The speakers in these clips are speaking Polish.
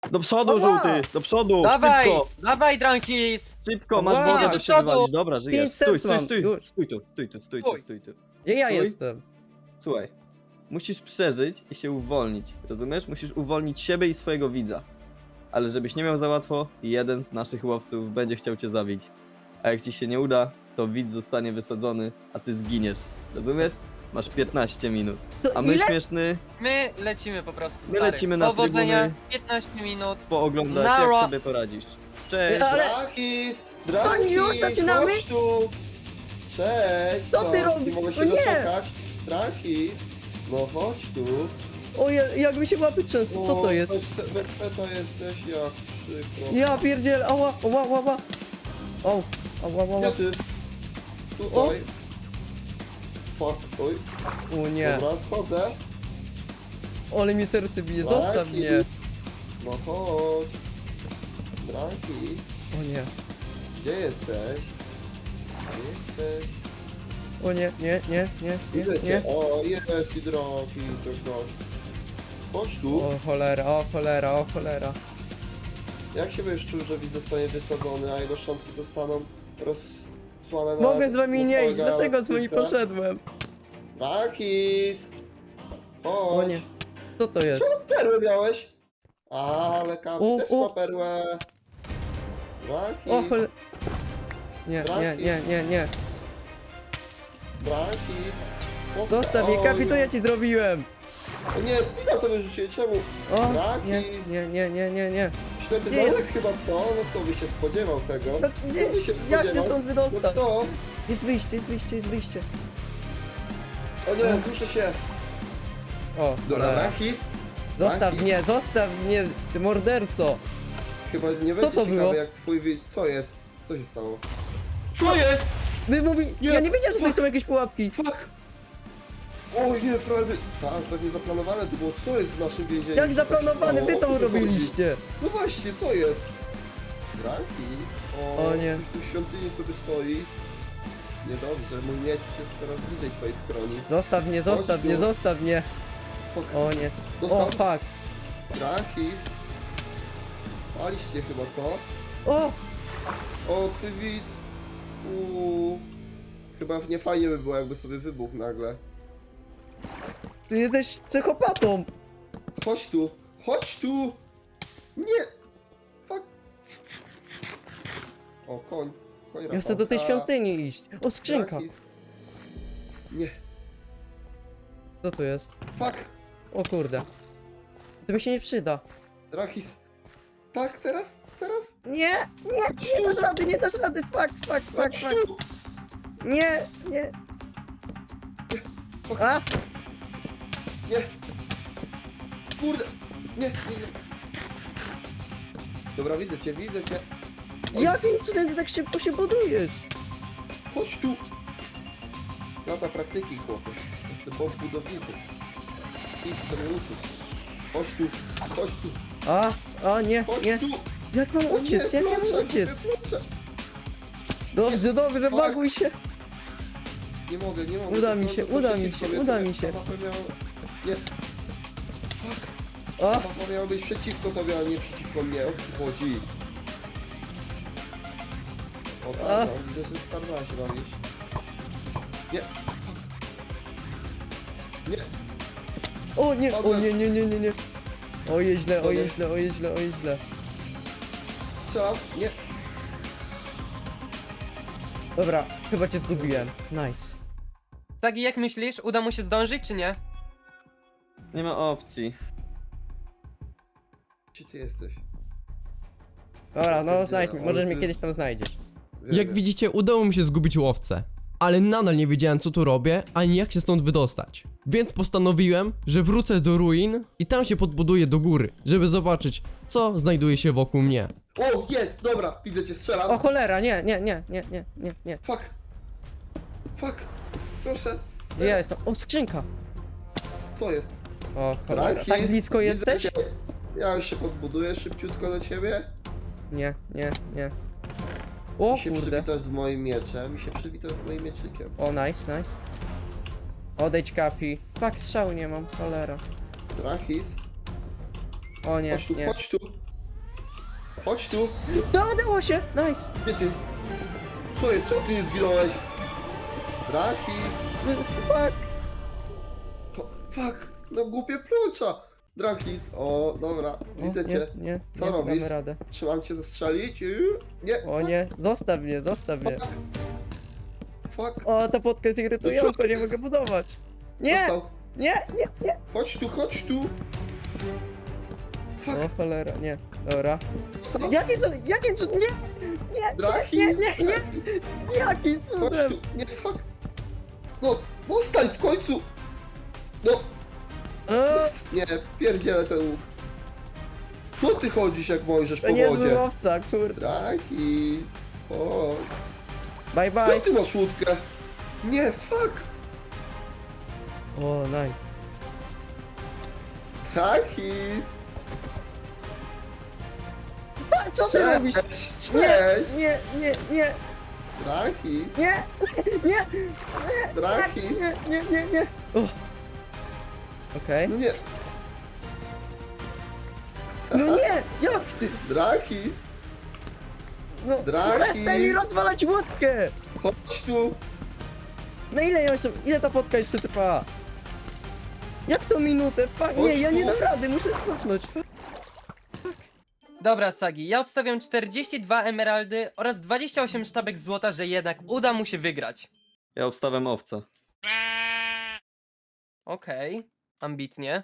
Do przodu, Ała! żółty! Do przodu! Dawaj! Szybko! Dawaj, Drankis! Szybko, masz Ała! wodę, Do by się przodu! wywalić. Dobra, żyjesz. 5 Stój, serc stój, mam, stój. już. Stój tu, stój tu, stój tu, Stój. stój tu. Gdzie ja Stój. jestem? Słuchaj, musisz przeżyć i się uwolnić, rozumiesz? Musisz uwolnić siebie i swojego widza. Ale żebyś nie miał za łatwo, jeden z naszych łowców będzie chciał cię zabić. A jak ci się nie uda, to widz zostanie wysadzony, a ty zginiesz. Rozumiesz? Masz 15 minut. A my Ile? śmieszny, My lecimy po prostu, My stary. lecimy na Powodzenia, trybuny. 15 minut. pooglądać Nara. jak sobie poradzisz. Cześć! Ale- Drakis! Co, Drakis! już zaczynamy? Chodź tu! Cześć! Co ty robisz? Nie mogę się O nie! doczekać. Drakis! No chodź tu. O, jak mi się łapy trzęsą, co to jest? Bez peta jesteś, jak przykro. Ja pierdziel, ała, ała, ała. O, ała, ała. Gdzie ty? Tutaj. Fuck, oj. O nie, Dobra, schodzę. ale mi serce bije, zostaw Drakis. mnie. No chodź. Drakis, O nie, gdzie jesteś? Gdzie jesteś? o nie, nie, nie, nie, Widzę nie, cię. nie. O, jest i Drakis, coś gość. Chodź tu. O cholera, o cholera, o cholera. Jak się będziesz czuł, że widz zostanie wysadzony, a jego szczątki zostaną rozsłane na... Mogę z wami nie iść, na dlaczego z wami galaktyce? poszedłem? Rakis! O Chodź! nie, co to jest? Perłę miałeś? Ale Kapi O, też o. ma perłę. Rakis! O cholera. Nie, nie, nie, nie, nie. Rakis! O, Zostaw mnie, Kapi, co ja oj. ci zrobiłem? O nie, spina to wyrzuciłem, czemu? O, Rakis! nie, nie, nie, nie, nie. Ślepy Nie. zaułek chyba co? No kto by się spodziewał tego? Znaczy, nie, Kto by się jak się spodziewał? stąd No wydostać? kto? Jest wyjście, jest wyjście, jest wyjście. O nie, duszę się! O, Dobra, cholera. Rakis! Zostaw mnie, ty morderco. Chyba nie Co będzie to ciekawe było? jak twój widz... Co jest? Co się stało? Co jest? Wy mówi... Nie, Ja nie wiedziałem, że tutaj fuck. są jakieś pułapki. Fuck! Oj nie, prawie... Tak, tak nie zaplanowane to było. Co jest w naszym więzieniu? Jak Co zaplanowane, się wy stało? to O co tu chodzi? urobiliście. No właśnie, co jest? Rakis? O nie. Ktoś tu w świątyni sobie stoi. Niedobrze, mój miecz jest coraz bliżej twojej skroni. Zostaw mnie, Chodź zostaw tu. mnie, zostaw mnie. Fuck. O nie. O, Dostał? fuck. Rakis? Paliście chyba, co? O, O, twój widz! Chyba nie fajnie by było, jakby sobie wybuchł nagle. ty jesteś psychopatą. Chodź tu! Chodź tu! Nie! Fuck! O, koń. Koń Ja chcę do tej Rafałka. świątyni iść. O, skrzynka. Rakis. Nie. Co to jest? Fuck! O kurde. To mi się nie przyda. Rakis. Tak, teraz? Teraz? Nie, nie, nie dasz rady, nie dasz rady. Fuck, fuck, fuck, Chodź fuck. tu! Nie, nie. Fuck. A, Nie! Kurde! Nie, nie, nie. Dobra, widzę cię, widzę cię. Oj, jakim cudem ty tak szybko się budujesz? Chodź tu! Lata praktyki, chłopie. Jestem bomb budowniczy. Idź sobie uczyć. Chodź tu! Chodź tu! A, nie, Chodź nie. tu! Jak mam O uciec? nie, Jak mam ploczek, uciec? ploczek. Dobrze, dobrze, Fuck. baguj się. Nie mogę, nie mogę. Uda mi To się, są uda mi przeciwko się, mnie, uda to mi się. mapa miała... Nie, A, mapa miała być przeciwko tobie, a nie przeciwko mnie. O co tu chodzi? O A. tak, widzę, że starwa się bawić. Nie. Nie. o nie, o Padłem. nie, nie, nie, nie, nie. O je źle, o Padłem. je źle, o je źle, o je źle. Strzelam. Nie. Dobra, chyba cię zgubiłem. Nice. Sagi, jak myślisz, uda mu się zdążyć, czy nie? Nie ma opcji. Gdzie ty jesteś? Dobra, no Pierdziele, znajdź mnie, ale może to mnie jest- kiedyś tam znajdziesz. Wiem, Jak wiem. widzicie, udało mi się zgubić łowcę, ale nadal nie wiedziałem co tu robię, ani jak się stąd wydostać. Więc postanowiłem, że wrócę do ruin i tam się podbuduję do góry, żeby zobaczyć, co znajduje się wokół mnie. O, jest, dobra, widzę cię, strzelam. O cholera, nie, nie, nie, nie, nie, nie, nie. Fuck. Fuck. Proszę. Gdzie ja jestem? O, skrzynka. Co jest? O cholera, Rakis, tak blisko widzę jesteś? cię. Ja już się podbuduję szybciutko do ciebie. Nie, nie, nie. O I się kurde. przywitasz z moim mieczem. I się przywitasz z moim mieczykiem. O, nice, nice. Odejdź, Kapi. Tak, strzału nie mam, cholera. Rakis. O nie, Chodź tu, nie. chodź tu. Chodź tu. No, udało się! Nice! Gdzie ty? Co jest? Czemu ty nie zginąłeś? Drakis. Fuck! Fuck. No głupie plucza. Drakis. O, dobra. Widzę cię. Nie, Co nie robisz? damy radę. Czy mam cię zastrzelić? Nie. O nie, zostaw mnie, zostaw mnie. Fuck. O, ta podka jest irytująca, nie mogę budować. Nie! Dostał. Nie, nie, nie! Chodź tu, chodź tu. Fuck. O cholera, nie. Dobra. Dostał. Jakim cudem? Nie! Nie! Drakis. Nie, nie, nie! Jakim Chodź cudem? tu. Nie, fuck. No, dostań w końcu. No. Nie, pierdzielę ten łuk. Co ty chodzisz jak Mojżesz To po nie jest wodzie? łowca, kurde. Drakis. Chodź. Bye bye. Skąd ty masz łódkę? Nie, fuck. O, nice. Drakis. A, co ty robisz? Cześć. Nie, Cześć. nie, nie, nie, Drakis. nie, nie, Drakis. nie. O. Okej. No nie. No nie, jak ty? Drakis. No, Drakis. przestań mi rozwalać łódkę! Chodź tu. No ile ta podka jeszcze trwa? Jak to minutę? Fuck, nie, Chodź ja nie tu. dam rady, muszę cofnąć. Fuck. Dobra, Sagi, ja obstawiam 42 emeraldy oraz 28 sztabek złota, że jednak uda mu się wygrać. Ja obstawiam owca. Okej, ambitnie.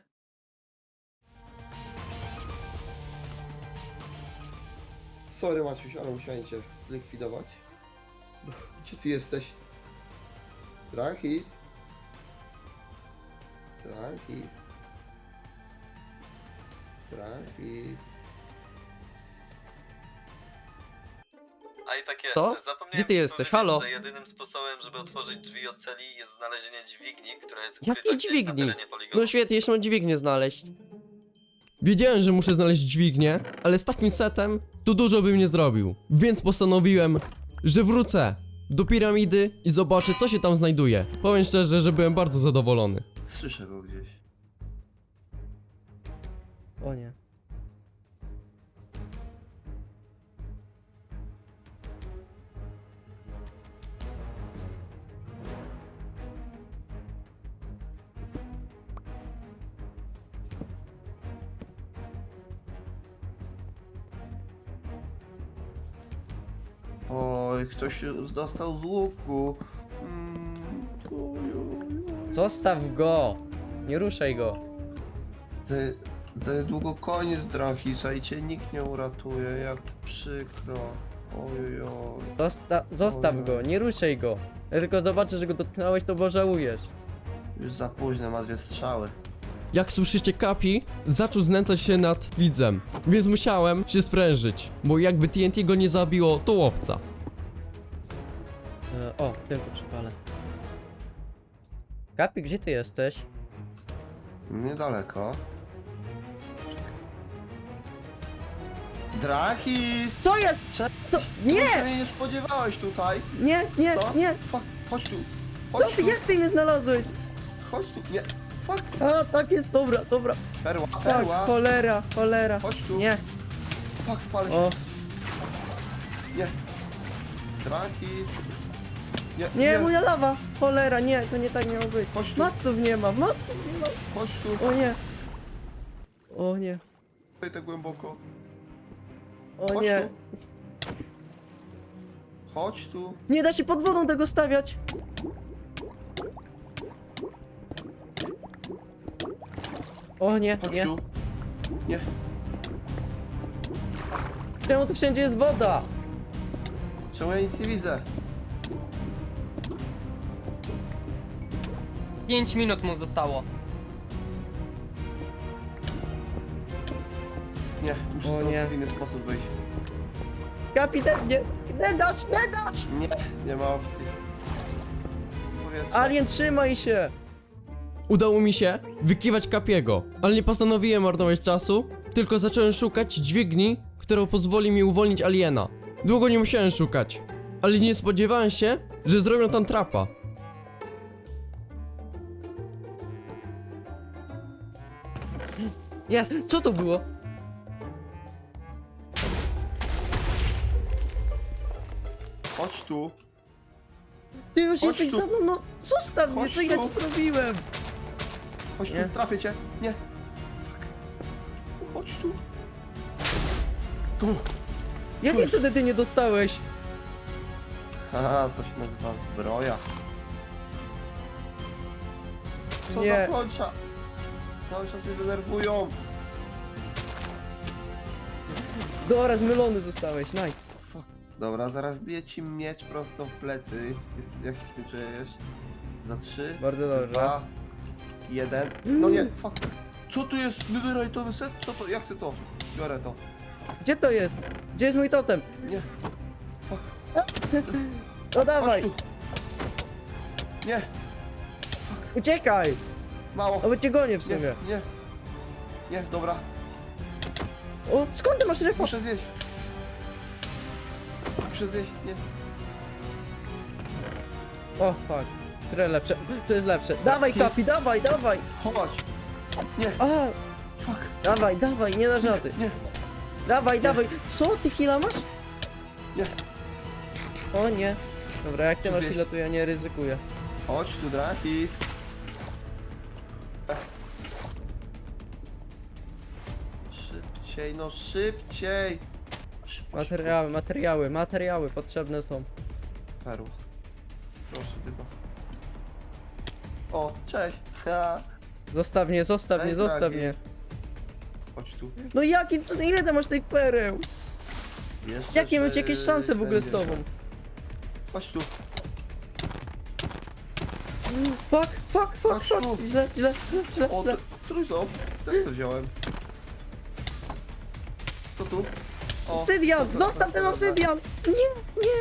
Sorry Maciuś, ale musiałem cię zlikwidować. Gdzie ty jesteś? Drakis. Drakis. Drakis. A i tak Co? jeszcze, zapomniałem Gdzie ty ci jesteś? powiedzieć, Halo? że jedynym sposobem, żeby otworzyć drzwi od celi jest znalezienie dźwigni, która jest Jakiej ukryta gdzieś dźwigni? na terenie poligonu. No świetnie, jeszcze mam dźwignię znaleźć. Wiedziałem, że muszę znaleźć dźwignię, ale z takim setem to dużo bym nie zrobił. Więc postanowiłem, że wrócę do piramidy i zobaczę, co się tam znajduje. Powiem szczerze, że byłem bardzo zadowolony. Słyszę go gdzieś. O nie. Oj, ktoś dostał z łuku. Zostaw go! Nie ruszaj go. Za niedługo koniec Drakisa i cię nikt nie uratuje, jak przykro. Ojojoj. Zostaw Ojej. go, nie ruszaj go. Ja tylko zobaczę, że go dotknąłeś, to pożałujesz. Już za późno, ma 2 strzały. Jak słyszycie, Kapi zaczął znęcać się nad widzem, więc musiałem się sprężyć, bo jakby TNT go nie zabiło, to łowca. O, tylko przypalę. Kapi, gdzie ty jesteś? Niedaleko. Drakis! Co jest? Cześć! Co? Nie! Nie spodziewałeś tutaj! Nie, nie, Co? nie! Fuck, chodź tu! Co Chodź ty, tu! jak ty mnie znalazłeś? Chodź tu! Nie! Fuck! A, tak jest, dobra, dobra. Perła, Tak, perła! cholera, cholera. Chodź tu! Nie, Fuck, palę się! o, Nie! Drakis! nie, moja lawa! Cholera, nie, to nie tak miało być. Chodź tu! Maców nie ma, maców nie ma. Chodź tu! O nie. O nie, Tutaj tak głęboko. o Chodź nie. tu! Chodź tu! Nie da się pod wodą tego stawiać. O nie, Chodź nie. tu! Nie! Czemu tu wszędzie jest woda? Czemu ja nic nie widzę? 5 minut mu zostało. Nie, muszę O stąd nie. w inny sposób wyjść. Kapitan, nie, nie dasz, nie dasz! Nie, nie ma opcji. Powietrze. Alien, trzymaj się! Udało mi się wykiwać Kapiego, ale nie postanowiłem marnować czasu, tylko zacząłem szukać dźwigni, która pozwoli mi uwolnić aliena. Długo nie musiałem szukać, ale nie spodziewałem się, że zrobią tam trapa. Jest, co to było? Chodź tu. Ty już Chodź jesteś tu. za mną, no zostaw mnie, Chodź co ja tu. ci zrobiłem? Chodź Nie. tu, trafię cię. Nie. Fuck. Chodź tu. Tu. Jakie wtedy ty nie dostałeś? Haha, to się nazywa zbroja. Co Nie. za kończa? Cały czas mnie denerwują. Dobra, zmylony zostałeś, nice. Fuck. Dobra, zaraz bije ci miecz prosto w plecy. Jak się z tym czujesz? Za 3, Bardzo dobrze. 2, 1. No nie, fuck. Co tu jest? Netherite'owy set? Co to? Ja chcę to. Biorę to. Gdzie to jest? Gdzie jest mój totem? Nie. Fuck. No dawaj, Chodź tu. Nie, uciekaj! mało. O, bo cię gonię w Nie, sumie. nie. Nie, dobra. O, skąd ty masz refa? Muszę zjeść. Muszę zjeść, nie. O, fuck. Które lepsze? To jest lepsze. Dawaj, Jest. Kapi, dawaj, dawaj! Chodź. Nie, A, fuck. dawaj, dawaj, nie dasz rady. Nie, Dawaj, dawaj. Co, ty heala masz? nie. O nie. Dobra, jak ty Czy masz zjeść? heala, to ja nie ryzykuję. Chodź tu, Drakis. Szybciej, no szybciej. Szybko, Materiały, materiały, materiały potrzebne są. szybko. Perła. Proszę, wybaw. O, cześć. Ha. Zostaw mnie, zostaw mnie, Cześć, zostaw mnie. Drakis. Chodź tu. No jaki, ile ty masz tych pereł? Jeszcze Jakie macie jakieś szanse w ogóle z 40. tobą? Chodź tu. Fuck, fuck, fuck, Chodź fuck. tu. Źle, źle, źle, źle, O, źle. trójząb. Też co wziąłem. Co tu? O, Obsydian, dobra, zostaw ten dobra. obsydian! Nie, nie.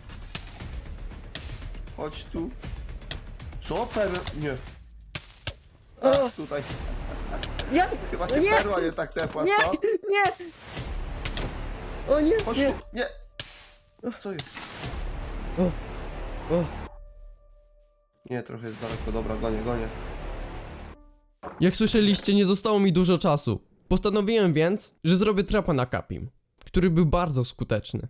Chodź tu. Co? Perła? Nie. O, Ach, tutaj. ja, Chyba cię nie, perła nie tak tepła, nie, co? nie. O nie, Chodź nie. tu. Nie. Co jest? O, o. Nie, trochę jest daleko. Dobra, gonię, gonię. Jak słyszeliście, nie zostało mi dużo czasu. Postanowiłem więc, że zrobię trapa na Kapim, który był bardzo skuteczny.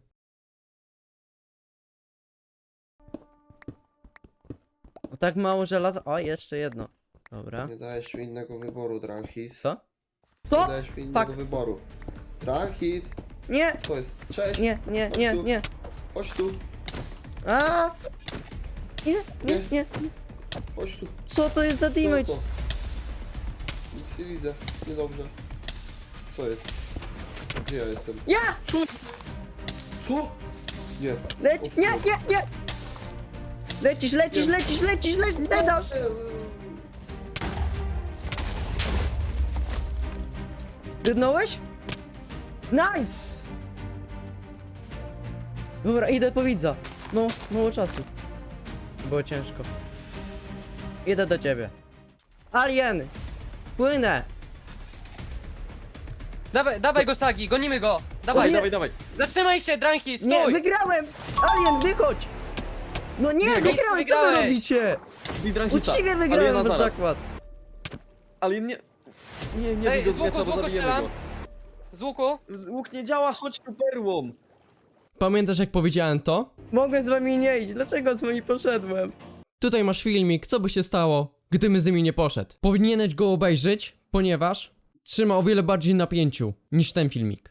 O, tak mało żelaza. O, jeszcze jedno. Dobra. Nie dałeś mi innego wyboru, Dranhis. Co? Nie Co? dałeś mi innego Fuck. wyboru. Dranhis! Nie, Co jest? Cześć! nie, nie, nie, nie. Chodź tu, A! Nie, nie, Nie. nie. chodź tu. Co to jest za Co damage? to? Nic nie widzę. Niedobrze. Co jest? Gdzie ja jestem? Ja! Co? Nie. Leć, nie, nie, nie! Lecisz, lecisz, Nie. lecisz, lecisz, lecisz, nie dasz! Dydnąłeś? Nice! Dobra, idę po widza. No, mało czasu. Było ciężko. Idę do ciebie. Alien! Płynę! Dawaj, dawaj go, Sagi, gonimy go! Dawaj, nie. Dawaj, dawaj. zatrzymaj się, Dranki, stój! Nie, wygrałem! Alien, wychodź! No nie, wygrałem, co wy wygrałeś. robicie? Widrancista. Uczciwie Aliena wygrałem pod zaraz. zakład. Ale nie... Nie Ej, bij go z z łuku, miecza, z bo łuku zabijemy strzelam. go. Z łuku? Łuk nie działa, chodź tu perłą. Pamiętasz jak powiedziałem to? Mogłem z wami nie iść, dlaczego z wami poszedłem? Tutaj masz filmik, co by się stało, gdybym z nimi nie poszedł. Powinieneś go obejrzeć, ponieważ trzyma o wiele bardziej napięciu niż ten filmik.